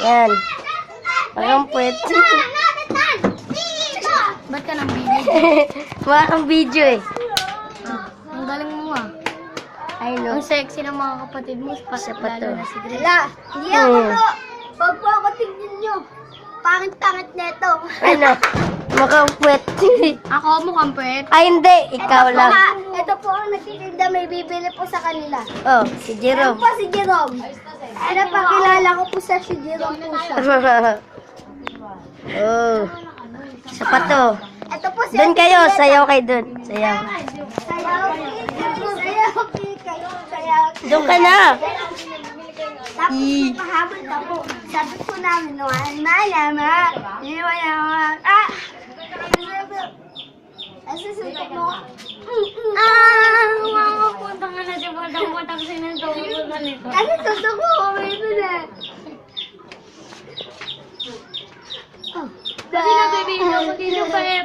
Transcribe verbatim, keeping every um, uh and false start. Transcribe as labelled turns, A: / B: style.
A: Yan. Parang puwet.
B: Ba't ka nang bibig?
A: Mukha kang video eh.
B: Ang galing mo ah.
A: I know.
B: Ang sexy ng mga kapatid mo. Pa,
A: Siya pa to.
B: lalo na si Grace.
C: Wala, hindi ako
A: Hmm.
C: to. Pag po ako tingnan nyo, pangit-pangit neto.
A: Ano? Mukhang puwet.
B: Ako mukhang pwet.
A: Ay, hindi. Ikaw
C: ito
A: lang.
C: Po, ha, ito po ang nagtitinda, may bibili po sa kanila.
A: Oh, si
C: Ano
A: Jerome.
C: po si Jerome? Ano pa, kilala ko po sa si Jerome po siya.
A: Oh. Siya pa to.
C: Ito po si
A: Doon kayo. Sayaw kayo doon. Sayaw.
C: Sayaw, sayaw, kayo, sayaw.
A: Doon ka na.
C: Tapos pahabol pa po. Sabi po namin, no, malama, iwala, ah! Asa suntok mo?
B: Ah! Makapunta nga na siya. Punta-punta kasi nang tawag nito.
C: Kasi suntok mo, may ito na.
B: Kasi nabibigyan ko dito pa eh.